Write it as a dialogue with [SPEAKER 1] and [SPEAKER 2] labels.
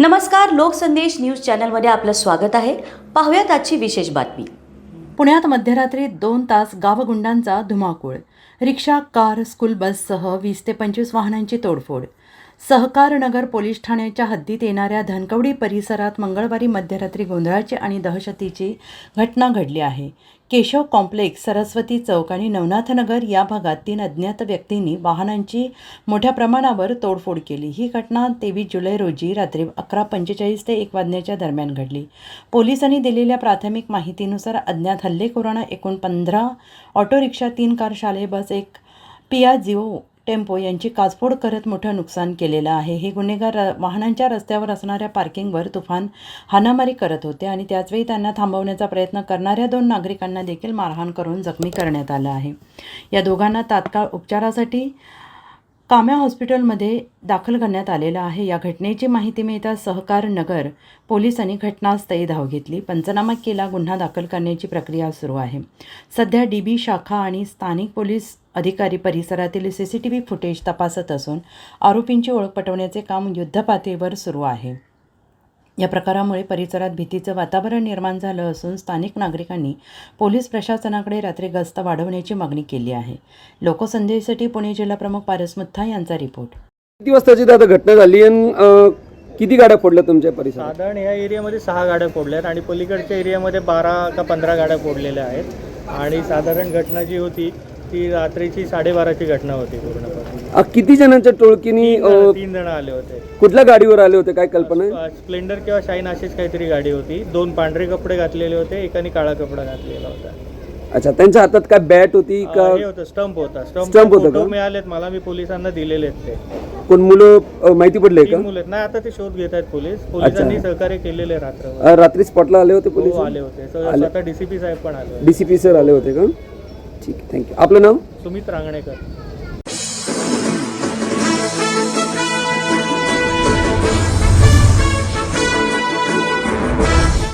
[SPEAKER 1] नमस्कार, लोकसंदेश न्यूज चॅनलमध्ये आपलं स्वागत आहे. पाहूयात आजची विशेष बातमी.
[SPEAKER 2] पुण्यात मध्यरात्री 2 तास गावगुंडांचा धुमाकूळ. रिक्षा, कार, स्कूल बससह 20 ते 25 वाहनांची तोडफोड. सहकारनगर पोलीस ठाण्याच्या हद्दीत येणाऱ्या धनकवडी परिसरात मंगळवारी मध्यरात्री गोंधळाची आणि दहशतीची घटना घडली आहे. केशव कॉम्प्लेक्स, सरस्वती चौक आणि नवनाथनगर या भागात 3 अज्ञात व्यक्तींनी वाहनांची मोठ्या प्रमाणावर तोडफोड केली. ही घटना 23 जुलै रोजी रात्री 11:45 ते 1 वाजण्याच्या दरम्यान घडली. पोलिसांनी दिलेल्या प्राथमिक माहितीनुसार अज्ञात हल्लेखोरांना एकूण 15 ऑटो रिक्षा, 3 कार, शालेय बस, 1 पियाजिओ टेम्पो यांची काचफोड करत मोठं नुकसान केलेलं आहे. हे गुन्हेगार वाहनांच्या रस्त्यावर असणाऱ्या पार्किंगवर तुफान हाणामारी करत होते आणि त्याचवेळी त्यांना थांबवण्याचा प्रयत्न करणाऱ्या 2 नागरिकांना देखील मारहाण करून जखमी करण्यात आलं आहे. या दोघांना तात्काळ उपचारासाठी काम्या हॉस्पिटलमध्ये दाखल करण्यात आलेलं आहे. या घटनेची माहिती मिळताच सहकारनगर पोलिसांनी घटनास्थळी धाव घेतली, पंचनामा केला, गुन्हा दाखल करण्याची प्रक्रिया सुरू आहे. सध्या DB शाखा आणि स्थानिक पोलीस अधिकारी परिसरातील CCTV फुटेज तपासत असून आरोपींची ओळख पटवण्याचे काम युद्धपातळीवर सुरू आहे. या प्रकारामुळे परिसरात भीतीचं वातावरण निर्माण झालं असून स्थानिक नागरिकांनी पोलीस प्रशासनाकडे रात्री गस्त वाढवण्याची मागणी केली आहे. लोकसंदेशसाठी पुणे जिल्हाप्रमुख पारस मुथा यांचा रिपोर्ट.
[SPEAKER 3] किती वाजताची दादा घटना झाली आणि किती गाड्या फोडल्या तुमच्या परिसरात?
[SPEAKER 4] साधारण ह्या एरियामध्ये 6 गाड्या फोडल्या आहेत आणि पलीकडच्या एरियामध्ये 12 का 15 गाड्या फोडलेल्या आहेत. आणि साधारण घटना जी होती ती रात्रीची 12:30ची घटना होती पूर्णपणे.
[SPEAKER 3] किती जणांच्या टोळकीनी
[SPEAKER 4] 3 जण आले होते.
[SPEAKER 3] कुठल्या गाडीवर आले होते, काय कल्पना आहे?
[SPEAKER 4] स्प्लेंडर किंवा शाईन अशीच काहीतरी गाडी होती. 2 पांढरे कपडे घातलेले होते, एकाने काळा कपडा घातलेला होता.
[SPEAKER 3] अच्छा, त्यांच्या हातात काय बॅट होती का?
[SPEAKER 4] हे होतं, स्टंप होता.
[SPEAKER 3] स्टंप होता का?
[SPEAKER 4] मिळालेत मला, मी पोलिसांना दिलेले आहेत. ते
[SPEAKER 3] कोण मुलं माहिती पडले का?
[SPEAKER 4] 3 मुलं आहेत. नाही, आता ते शोध घेत आहेत पोलिसांनी सहकार्य केलेले.
[SPEAKER 3] रात्री स्पॉटला आले होते पोलीस?
[SPEAKER 4] आले होते. स्वतः DCP साहेब पण आले.
[SPEAKER 3] DCP सर आले होते का? ठीक आहे, थँक्यू. आपलं नाव?
[SPEAKER 4] सुमित रांगणेकर.